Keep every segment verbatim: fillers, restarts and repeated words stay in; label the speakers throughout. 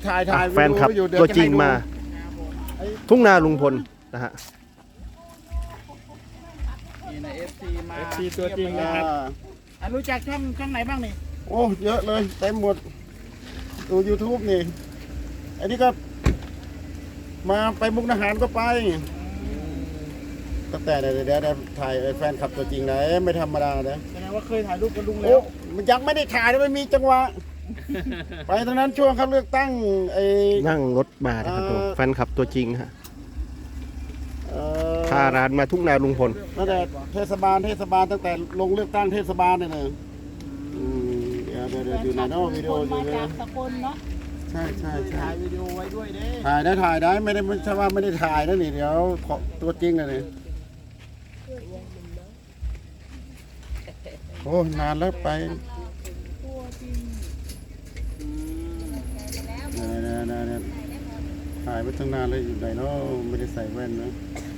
Speaker 1: ถ่ายถ่าย
Speaker 2: แฟนคลับตัวจริงมาทุ่งนาลุงพลนะฮะ
Speaker 3: นี่นะเอฟซีมา
Speaker 1: เอฟซีตัวจริงนะ
Speaker 3: อ่ะรู้จักช่องช่องไหนบ้างนี่
Speaker 1: โอ้เยอะเลยเต็มหมดดู YouTube นี่อันนี้ก็มาไปมุกดาหารก็ไปตั้งแต่เดี๋ยวเดี๋ยวถ่ายแฟนคลับตัวจริงนะไม่ธรรมดานะ
Speaker 3: แสดงว่าเคยถ่ายรูปกับลุงแล้
Speaker 1: โอ้
Speaker 3: ว
Speaker 1: มันยังไม่ได้ถ่ายเลยไม่มีจังหวะ ไปตอนนั้นช่วงเขาเลือกตั้งไอ้
Speaker 2: นั่งรถมานะครับ
Speaker 1: เอ่อ
Speaker 2: แฟนคลับตัวจริงฮะ
Speaker 1: เอ่อ
Speaker 2: พาร้านมาทุ่งนาลุงพล
Speaker 1: ตั้งแต่เทศบาลเทศบาลตั้งแต่ลงเลือกตั้งเทศบาลเนี่ยนะอืมเดี๋ยวเดี๋ยวเดี๋ยวอยู่ไหนเนาะวิดีโออยู่
Speaker 4: มา
Speaker 1: เลย
Speaker 4: จากสกลเนาะ
Speaker 1: ใช่ใช่ใช่
Speaker 3: ถ่ายวิดีโอไว้ด้วยเด้
Speaker 1: ถ่ายได้ถ่ายได้ไม่ได้ไม่ใช่ว่าไม่ได้ถ่ายนะนี่เดี๋ยวขอตัวจริงเลยนี่โอ้นานแล้วไปเนี่ยเนี่ยเนี่ยเนี่ยถ่ายไปตั้งนานเลยอยู่ไหนเนาะไม่ได้ใส่แว่นนะ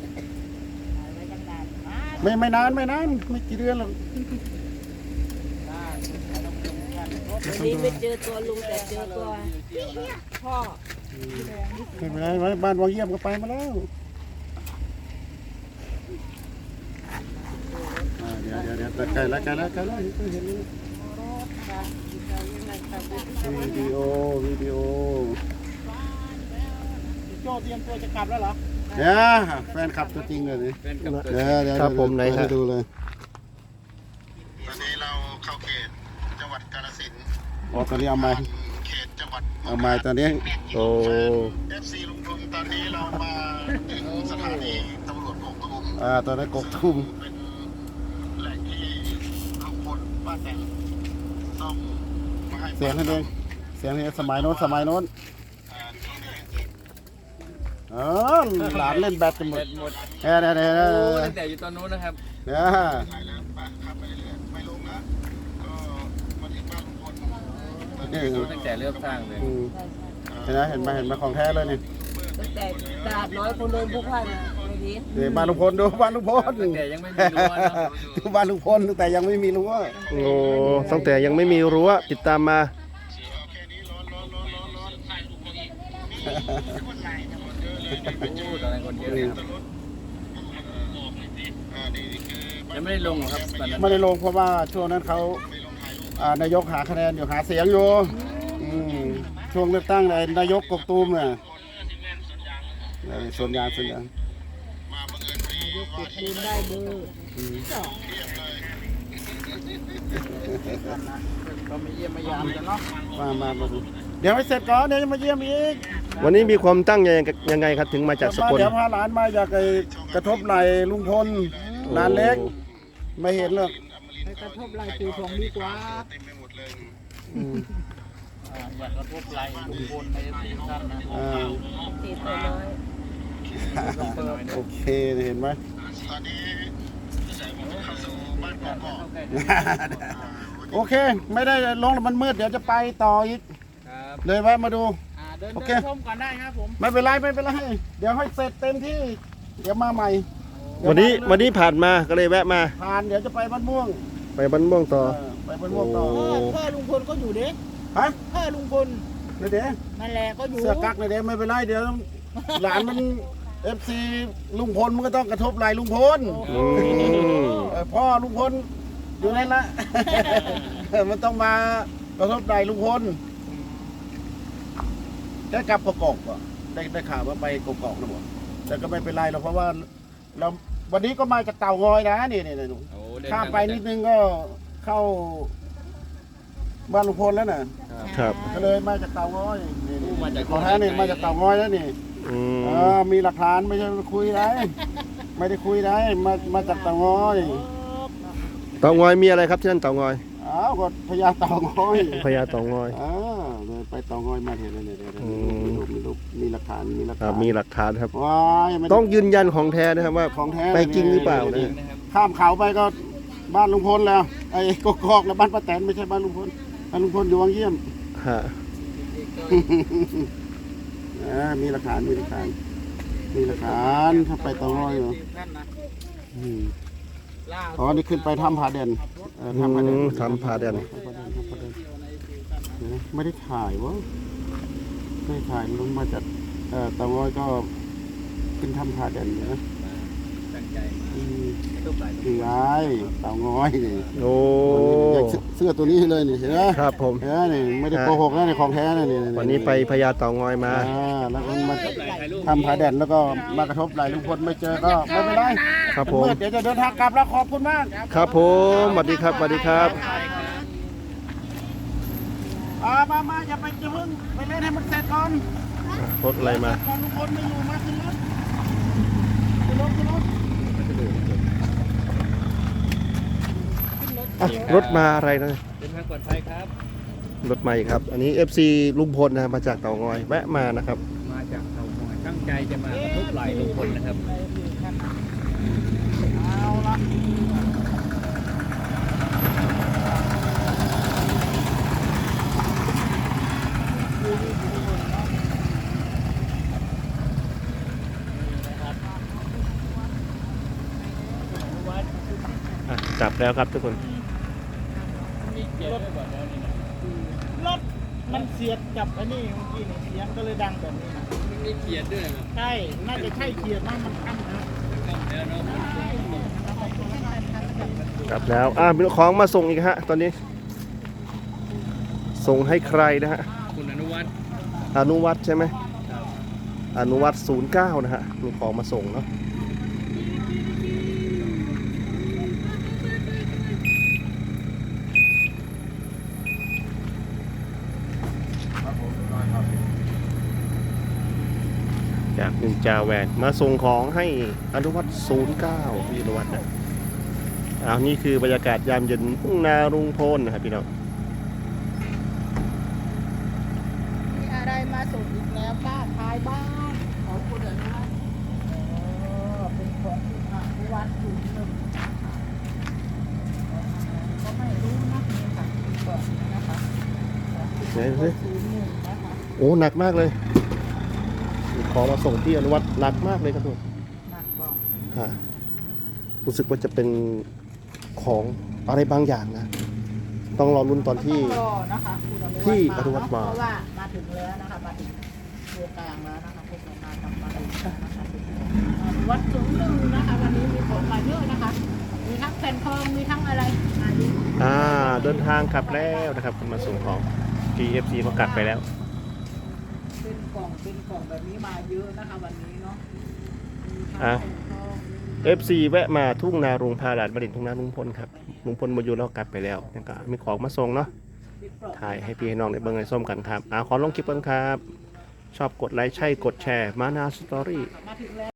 Speaker 1: ไม่ไม่นานไม่นานไม่กี่เดือนหรอก
Speaker 4: วันนี้ไม่เจอตัวลุงแต่เจอตัวพ่อ
Speaker 1: ไม่เป็นไรไว้บ้านวังเยี่ยมก็ไปมาแล้วอ่าเดี๋ยวเดี๋ยวเดี๋ยวใกล้แล้วใกล้แล้วใกล้แล้วเห็นเห็นวิดีโอวิดีโอ
Speaker 3: โจเตรียมตัวจะกลับแล้วเหรอ
Speaker 1: เนี่ยแฟนคลับตัวจริงเลยนี่เดี๋ยวเดี๋ยว
Speaker 2: ครับผมไหนฮะ
Speaker 1: ให้ดูเลยตอนนี้เราเข้าเขตจังหวัดกาฬสินธุ์อ๋อตอนนี้เอาไม้เขตจังหวัดเอาไม้ตอนนี้
Speaker 2: โอ้
Speaker 1: เอฟซีลุงพลตอนนี้เรามาถึงสถานีตำรวจกกตูมอ่าตอนนี้กกตูมเป็นแหล่งที่ลุงพลป้าแตนต้องมาให้เสียงให้เองเสียงให้สมัยโน้นสมัยโน้นเออหลานเล่นแบดกันหมดเนี่ยเนี่ยเนี่ย
Speaker 3: ตั้งแต่อยู่ตอนนู้นนะครับ
Speaker 1: เนี่ย
Speaker 3: ตั้งแต่เริ่มสร้างเลย
Speaker 1: อืมเห็นไหมเห็นไหมเห็นไหมของแท้เลยนี่
Speaker 4: ตั้งแต่ตลาดน้อยคนเดินพลุกพล่านไม่ดี
Speaker 1: เดี๋ยวบ้านลุงพลดูบ้านลุงพล
Speaker 3: ตั้งแต่ยังไม่มีรั้วเนอะ
Speaker 1: ดูบ้านลุงพลตั้งแต่ยังไม่มีรั้ว
Speaker 2: โหตั้งแต่ยังไม่มีรั้วติดตามมา
Speaker 3: โอ้ตอนนั้นคนเยอะเลยครับยังไม่ได้ลงเหรอครับตอนนั้น
Speaker 1: ไม่ได้ลงเพราะว่าช่วงนั้นเขาอ่านายกหาคะแนนอยู่หาเสียงอยู่อืมช่วงเลือกตั้งเลยนายกกบตูมเนี่ยเออส่วนยางส่วนยาง
Speaker 4: ยกติดยืนได้เบอร์สอง
Speaker 3: ก็ไม่เยี่ยมไม่ยามกันเนาะ
Speaker 1: มามามาดูเดี๋ยวให้เสร็จก่อนเดี๋ยวจะมาเยี่ยมอีก
Speaker 2: วันนี้มีความตั้งใจยังไงครับถึงมาจากสกล
Speaker 1: เดี๋ยวพาหลานมาจากไอ้กระทบไหลลุงพลหลานเล็ก ไม่เห็นหรอก
Speaker 4: ไปกระทบไหล่ตีทองดีกว่า
Speaker 1: อืม
Speaker 3: อ่าอยากกระทบไหล่ลุงพลในซีซั่นนะ
Speaker 1: อ่า
Speaker 4: ตีตัวน้อย
Speaker 1: โอเคเห็นไหม โอเค ไม่ได้ลงแล้วมันมืดเดี๋ยวจะไปต่ออีก
Speaker 3: ครับ
Speaker 1: เลยแวะมาดู
Speaker 3: อ่าเดิน
Speaker 1: โอ
Speaker 3: เดิ
Speaker 1: เค
Speaker 3: นชมก่อนได้ครับผม
Speaker 1: ไม่เป็นไรไม่เป็นไรเดี๋ยวให้เสร็จเต็มที่ เดี๋ยวมาใหม่
Speaker 2: วันนี้วันนี้ผ่านมาก็เลยแวะมา
Speaker 1: ผ่านเดี๋ยวจะไปบ้านม่วง
Speaker 2: ไปบ้านม่วงต่อ
Speaker 1: เออไปบ้านม่วงต่อ
Speaker 2: โอ้
Speaker 4: พ่อพ่อลุงพลก็อยู่เด้
Speaker 1: ฮะ
Speaker 4: พ่อลุงพล
Speaker 1: เดี๋ยวเดี๋ยว
Speaker 4: นั่นแหละก็อยู่
Speaker 1: เสื้อกั๊กเลยเดี๋ยวไม่เป็นไรเดี๋ยวหลานมันเอฟซีลุงพลมันก็ต้องกระทบไหลลุงพล
Speaker 2: อืม
Speaker 1: เออพ่อลุงพลอยู่นั่นละ มันต้องมากระทบไหลลุงพลได้กลับกกอกป่ะได้ได้ข่าวว่าไปกกอกนะบ่แต่ก็ไม่เป็นไรหรอกเพราะว่าเราวันนี้ก็มาจากเต่างอยนะนี่นี่นี่หนู
Speaker 3: โอ้เดิน
Speaker 1: ข้ามไปนิดนึงก็เข้าบ้านลุงพลแล้วน่ะ
Speaker 2: ครับ
Speaker 1: ก็เลยมาจากเต่างอยนี่นี่
Speaker 3: มาจาก
Speaker 1: ขอแท้นี่มาจากเต่างอยแล้วนี่
Speaker 2: อืม
Speaker 1: เออมีหลักฐานไม่ใช่คุยได้ ไม่ได้คุยได้มามาจากเต่างอย
Speaker 2: เต่างอยมีอะไรครับที่นั่นเต่างอย
Speaker 1: อ้าวก็พญาเต่างอย
Speaker 2: พญาเต่างอย
Speaker 1: อ่าเลยไปเต่างอยมาเห็นเลยเนี่ยเนี่ย
Speaker 2: อืม
Speaker 1: มีรูปมีรูปมีหลักฐานมีหลัก
Speaker 2: ครั
Speaker 1: ฐา
Speaker 2: บ
Speaker 1: น
Speaker 2: มีหลักฐานครับ
Speaker 1: ว้ายไม่ได้
Speaker 2: ต้องยืนยันของแท้นะครับว่า
Speaker 1: ของแท้
Speaker 2: ไปจริงหรือเปล่า
Speaker 1: นี่
Speaker 2: นะ
Speaker 3: นะครับ
Speaker 1: ข้ามเขาไปก็บ้านลุงพลแล้วไอ้กกอกแล้วบ้านป้าแตนไม่ใช่บ้านลุงพลบ้านลุงพลอยู่วังเยี่ยม
Speaker 2: ฮะ
Speaker 1: อ่ามีหลักฐานมีหลักฐานมีหลักฐานถ้าไปเต่างอยเหรอ
Speaker 3: ท่านนะ
Speaker 1: อืม
Speaker 3: ล่า
Speaker 1: อ๋อนี่ขึ้นไปถ้ำผาเด่นเออถ้ำผาเด่น
Speaker 2: อืมทำผาแดน
Speaker 1: ถ้ำผาเด่นถ้ำผาเด่นเดี๋ยวนะไม่ได้ถ่ายวะเคยถ่ายลุงมาจากเอ่อเตางอยก็ขึ้นทำผาแดนอยู่นะ
Speaker 3: ตั้งใจ
Speaker 1: อืม
Speaker 3: ทุบไหล
Speaker 1: คือไอ้เตางอยนี่
Speaker 2: โอ้
Speaker 1: อยากเสื้อตัวนี้เลยนี่เห็นไหม
Speaker 2: ครับผม
Speaker 1: เห็นไหมนี่ไม่ได้โกหกนะในของแท้นะนี่
Speaker 2: วันนี้ไปพญาเต่างอยมา
Speaker 1: อ่าแล้วก็มาทำผาแดนแล้วก็มากระทบไหลลุงพลไม่เจอก็ไม่เป็นไร
Speaker 2: ครับผม
Speaker 1: เมื่อเดี๋ยวจะเดินทางกลับแล้วขอบคุณมาก
Speaker 2: ครับผมสวัสดีครับสวัสดีครับ
Speaker 1: อ่ามามาอย่าไปจะเพิ่งไปเล่นให้มันเสร็จก่อน
Speaker 2: รถอะไรมา
Speaker 1: ก่อนลุงพลไม่อยู่มาขึ้นรถขึ้นรถขึ้นรถ
Speaker 2: อ่ะรถมาอะไรนะ
Speaker 3: เดินทางปลอดภัยครับ
Speaker 2: รถใหม่ครับ อันนี้ เอฟ ซี ลุงพลนะมาจากเต่างอยแวะมานะครับ
Speaker 3: มาจากเตางอยตั้งใจจะมากระทบไหลลุงพลนะครับ
Speaker 1: เอาละ
Speaker 2: อ่ะจับแล้วครับทุกคน
Speaker 5: รถมันเสียดกับไอ้นี่เมื่อกี้นี่เสียงก็เลยดังแบบนี้นะ
Speaker 3: มีเขียนด้วยครับ
Speaker 5: ใช่ น่าจะใช่เขียดนะมันขั้นนะ
Speaker 3: เดี๋ยวเนาะ
Speaker 2: จับแล้วอ่ะมีของมาส่งอีกฮะตอนนี้ ส่งให้ใครนะฮะ
Speaker 3: คุณอนุวัฒน์
Speaker 2: อนุวัฒน์ใช่ไหมอนุวัฒน์ศูนย์เก้านะฮะมีของมาส่งเนาะจากนินจาแวนมาส่งของให้อนุวัฒน์ศูนย์เก้าพี่อนุวัฒน์นะอ้าวนี่คือบรรยากาศยามเย็นทุ่งนาลุงพลนะครับพี่น้อง
Speaker 5: มีอะไรมาส่งอีกแล้วป้าทายบ้านของคุณอนุวัฒน์อ๋อเป็นของคุณอนุวัฒน์ศูนย์หนึ่งนะคะก็ไม่รู้นะนี่ค่ะก่อนนะคะของคุณอนุวัฒน์ศูนย์หนึ่งนะคะ
Speaker 2: โอ้หนักมากเลยของมาส่งที่อนุวัฒน์หนักมากเลยครับทุกคน
Speaker 5: หนักบอก
Speaker 2: อ่ารู้สึกว่าจะเป็นของอะไรบางอย่างนะ ต้องรอรุ่นตอนที่
Speaker 5: ต้องรอนะคะคุณอนุวัฒน์
Speaker 2: ที่
Speaker 5: มา
Speaker 2: อนุวัฒน์มา
Speaker 5: เพราะว่ามาถึงแล้วนะคะมาถึงตัวกลางแล้วนะคะพวกเรามาทำมาถึงนะคะอนุวัฒน์ศูนย์หนึ่งนะคะวันนี้มีของมาเยอะนะคะ มีทั้งแผ่นทองมีทั้งอะไรมาเยอะ
Speaker 2: อ่าเดินทางกลับแล้วนะครับมาส่งของ ที เอฟ ซี ก็กลับไปแล้ว
Speaker 5: เป็นกล่องเป็นกล่องแบบนี้มาเยอะนะคะวันนี้เนาะมีทั้ง
Speaker 2: อ่ะ
Speaker 5: แผ่นทอง
Speaker 2: เอฟ ซี แวะมาทุ่งนาลุงพาหลานมาดินทุ่งนาลุงพลครับลุงพลมาอยู่แล้วกลับไปแล้วนี่ก็มีของมาส่งเนาะ
Speaker 5: มีกล่อง
Speaker 2: ถ่ายให้พี่ให้น้องได้เบิ่งให้ส้มกันครับอ่าขอลงคลิปกันครับ ชอบกดไลค์ใช่กดแชร์มานาสตอรี่
Speaker 5: มาถึงแล้ว